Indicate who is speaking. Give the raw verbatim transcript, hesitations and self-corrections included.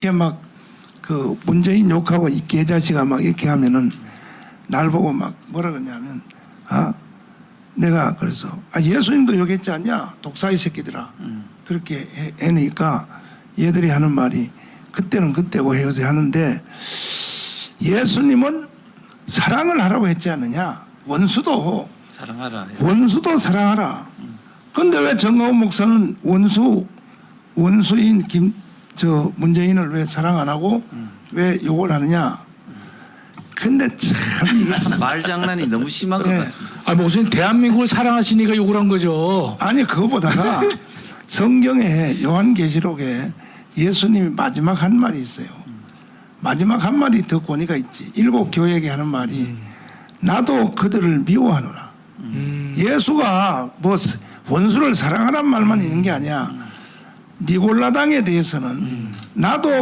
Speaker 1: 이렇게 막 그 문재인 욕하고 이 개자식아 막 이렇게 하면은 날 보고 막 뭐라 그러냐면 아 내가 그래서 아 예수님도 욕했지 않냐 독사의 새끼들아
Speaker 2: 음.
Speaker 1: 그렇게 해, 해니까 얘들이 하는 말이 그때는 그때고 해서 하는데 예수님은 사랑을 하라고 했지 않느냐 원수도
Speaker 2: 사랑하라.
Speaker 1: 원수도 사랑하라. 근데 왜 정가훈 목사는 원수 원수인 김 저 문재인을 왜 사랑 안 하고
Speaker 2: 음.
Speaker 1: 왜 욕을 하느냐? 근데 참 이게
Speaker 2: 말장난이 너무 심한 것
Speaker 1: 네.
Speaker 2: 같습니다.
Speaker 3: 아, 무슨 대한민국을 사랑하시니까 욕을 한 거죠.
Speaker 1: 아니 그거보다가 성경에 요한계시록에 예수님이 마지막 한 말이 있어요. 마지막 한 말이 더 권위가 있지. 일곱 교회에게 하는 말이 나도 그들을 미워하노라.
Speaker 3: 음.
Speaker 1: 예수가 뭐 원수를 사랑하란 말만 있는 게 아니야. 니골라당에 대해서는 나도